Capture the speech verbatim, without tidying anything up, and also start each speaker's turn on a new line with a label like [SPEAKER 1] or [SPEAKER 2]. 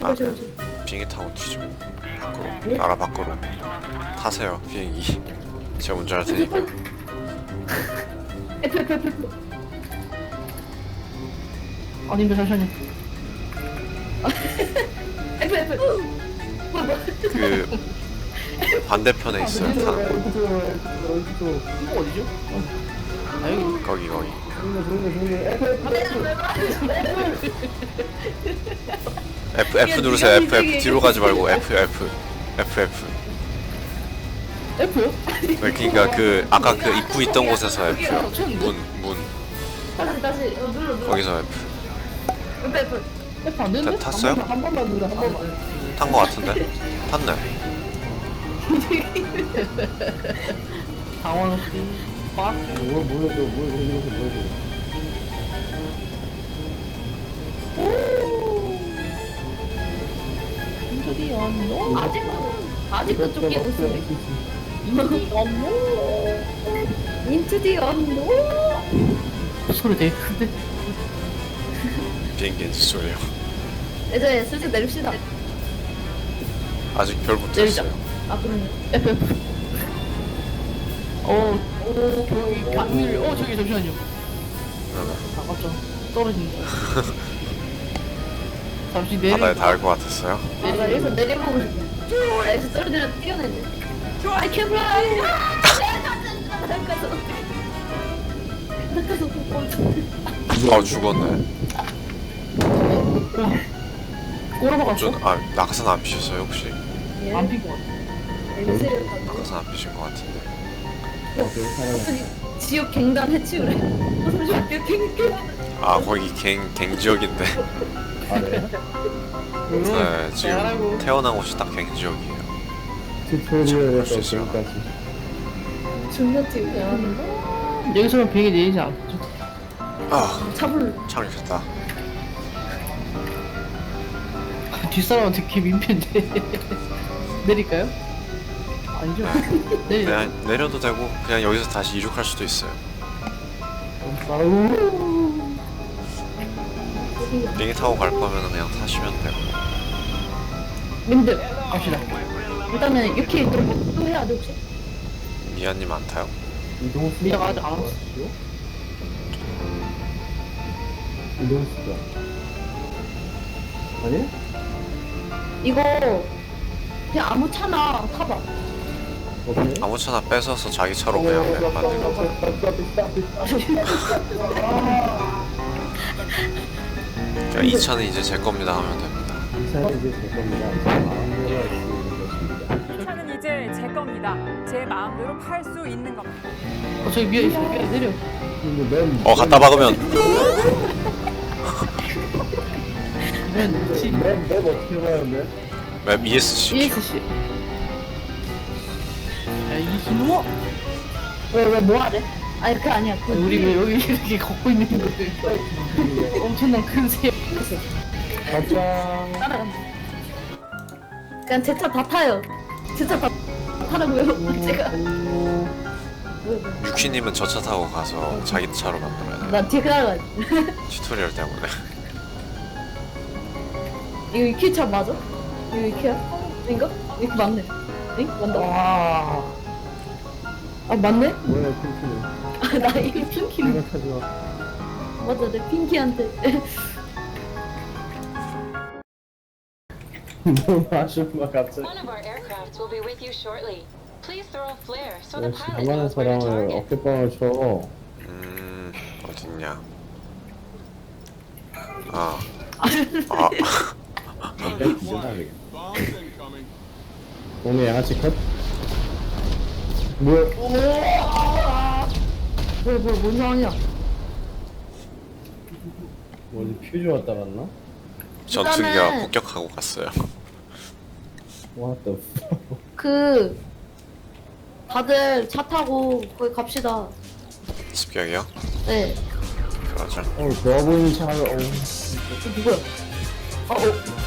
[SPEAKER 1] 아,
[SPEAKER 2] 그렇지 그렇지.
[SPEAKER 1] 비행기 타고 튀죠. 밖으로, 나라 밖으로 타세요 비행기. 제가 운전할 테니까.
[SPEAKER 2] F F F F.
[SPEAKER 3] 아닌데 잠시만요.
[SPEAKER 2] F F. 뭐야 뭐야.
[SPEAKER 1] 그 반대편에 있어요. 타.
[SPEAKER 3] 이거 어디죠? 아 여기.
[SPEAKER 1] 거기 거기. F F 누르세요. F F 뒤로 가지 말고 F F F F.
[SPEAKER 3] F요?
[SPEAKER 1] 네, 그러니까 그 아까 그 입구 있던 곳에서 F요. 문 문.
[SPEAKER 2] 다시 다시 어, 눌러 눌러.
[SPEAKER 1] 거기서 F.
[SPEAKER 2] F F.
[SPEAKER 3] F 안 되는데?
[SPEAKER 1] 다- 탔어요?
[SPEAKER 3] 한 번만 누르 한 번만.
[SPEAKER 1] 탄 거 같은데? 탔네.
[SPEAKER 3] 당황 씨. 빡.
[SPEAKER 4] 뭘 몰라줘, 뭘 몰라줘, 몰라줘.
[SPEAKER 3] 인터디 언노.
[SPEAKER 2] 아직도 아직도 쫓기고 있어.
[SPEAKER 3] 인터디 언노.
[SPEAKER 2] Into the unknown.
[SPEAKER 3] 소리 되게 큰데.
[SPEAKER 1] 비행기 엔진 소리요.
[SPEAKER 2] 이제 슬슬 내립시다.
[SPEAKER 1] 아직 별 못
[SPEAKER 3] 내리자.
[SPEAKER 1] 했어요.
[SPEAKER 2] 아 그러네.
[SPEAKER 3] F F. 어, 오, 저기 강밀. 어, 저기 잠시만요. 아깝죠. 떨어진다. 잠시 내리.
[SPEAKER 1] 바다에 닿을 것 같았어요.
[SPEAKER 2] 아, 나 여기서 내려보고 싶어. 쭉! 여기서 떨어지려 뛰어내네. I can fly! 나가서. 나가서.
[SPEAKER 1] 아 죽었네.
[SPEAKER 3] 꼬라박았어?
[SPEAKER 1] 전, 아 낙하산 안 피셨어요 혹시?
[SPEAKER 3] 안핀것 같아.
[SPEAKER 2] 엠스를 가고.
[SPEAKER 1] 낙하산 안 피신 것 같은데.
[SPEAKER 2] 갑자기 지옥 갱단 해치우래. 무슨 지옥 갱단.
[SPEAKER 1] 아 거기 갱, 갱 지역인데.
[SPEAKER 4] 아, 네?
[SPEAKER 1] 네 지금
[SPEAKER 3] 잘하고.
[SPEAKER 1] 태어난 곳이 딱 갱 지역이에요.
[SPEAKER 4] 튜토리얼에서
[SPEAKER 1] 볼수 있어요.
[SPEAKER 4] 지금까지.
[SPEAKER 2] 존나 지옥이야.
[SPEAKER 3] 여기서는 비행기 내리지 않죠?
[SPEAKER 1] 아
[SPEAKER 2] 차불.
[SPEAKER 1] 창이 켰다.
[SPEAKER 3] 뒷사람한테 개 민폐인데. 내릴까요? 아니죠? 내리.
[SPEAKER 1] 그냥 내려도 되고 그냥 여기서 다시 이륙할 수도 있어요.
[SPEAKER 4] 아우.
[SPEAKER 1] 비행기 타고 갈 거면 그냥 타시면 되고.
[SPEAKER 2] 님들
[SPEAKER 3] 갑시다.
[SPEAKER 2] 일단은 이렇게 또, 또 해야 돼 혹시?
[SPEAKER 1] 미아님 안 타요?
[SPEAKER 4] 이동 수가.
[SPEAKER 3] 미아가 아직 안 왔어.
[SPEAKER 4] 이동 수가. 아니?
[SPEAKER 2] 이거 그냥 아무 차나 타봐.
[SPEAKER 4] 오케이.
[SPEAKER 1] 아무 차나 뺏어서 자기 차로 그냥 내- 만든 거. 그러니까 이 차는 이제 제 겁니다 하면 됩니다.
[SPEAKER 4] 이 차는 이제 제 겁니다. 제 마음대로 할 수 있는 것입니다.
[SPEAKER 5] 차는 이제 제 겁니다. 제 마음대로 팔 수 있는 겁니다.
[SPEAKER 3] 어, 저기 미아 있어. 미아 내려.
[SPEAKER 4] 근데 맨.
[SPEAKER 1] 어 갖다 박으면
[SPEAKER 3] 맨, 지,
[SPEAKER 4] 맨, 맨 어떻게 가는데?
[SPEAKER 1] 맵 이에스씨.
[SPEAKER 3] 이에스씨. 야, 이 이놈아!
[SPEAKER 2] 왜왜 뭐 하래? 아니 그게 아니야. 그
[SPEAKER 3] 우리 왜 여기 이렇게 걷고 있는 거지? 엄청난 큰 새.
[SPEAKER 4] 가자.
[SPEAKER 2] 따라간다. 그냥 제 차 다 타요. 제 차 다 타라고요. 제가. 왜, 왜.
[SPEAKER 1] 유키님은 저 차 타고 가서 자기 차로 만들어야 돼요.
[SPEAKER 2] 나 뒤에 따라가.
[SPEAKER 1] 튜토리얼 때문에.
[SPEAKER 2] 이거 이키 차 맞아? 이거 이키야? 인가? 이거 맞네. 응? 맞다.
[SPEAKER 3] 와.
[SPEAKER 2] 아 맞네?
[SPEAKER 4] 뭐야, 핑키는.
[SPEAKER 2] 아, 나 이거 핑키는
[SPEAKER 4] 생각하지 마.
[SPEAKER 2] 맞아. 내 핑키한테.
[SPEAKER 4] 너무 아쉬운가, 갑자기.
[SPEAKER 6] One of our aircraft will be with you shortly. Please throw a flare so the
[SPEAKER 4] 역시
[SPEAKER 6] pilot
[SPEAKER 4] 가만한
[SPEAKER 6] knows where to
[SPEAKER 4] 사람을
[SPEAKER 6] target.
[SPEAKER 4] 어깨빵을 쳐.
[SPEAKER 1] 음 어딨냐? 아. 아.
[SPEAKER 4] 내 기절하겠 몸에 양아치 컷? 뭐야?
[SPEAKER 2] 뭐야 뭐야 뭔 상황이야?
[SPEAKER 4] 뭐 어디 퓨즈 왔다 갔나?
[SPEAKER 1] 전투기가
[SPEAKER 2] 일단은-
[SPEAKER 1] 폭격하고 갔어요.
[SPEAKER 4] What the fuck?
[SPEAKER 2] 그 다들 차 타고 거기 갑시다.
[SPEAKER 1] 습격이요?
[SPEAKER 2] 네.
[SPEAKER 1] 그러죠.
[SPEAKER 4] 어, 좋아 보이는 차를, 어.
[SPEAKER 2] 어, 누구야? 어, 어.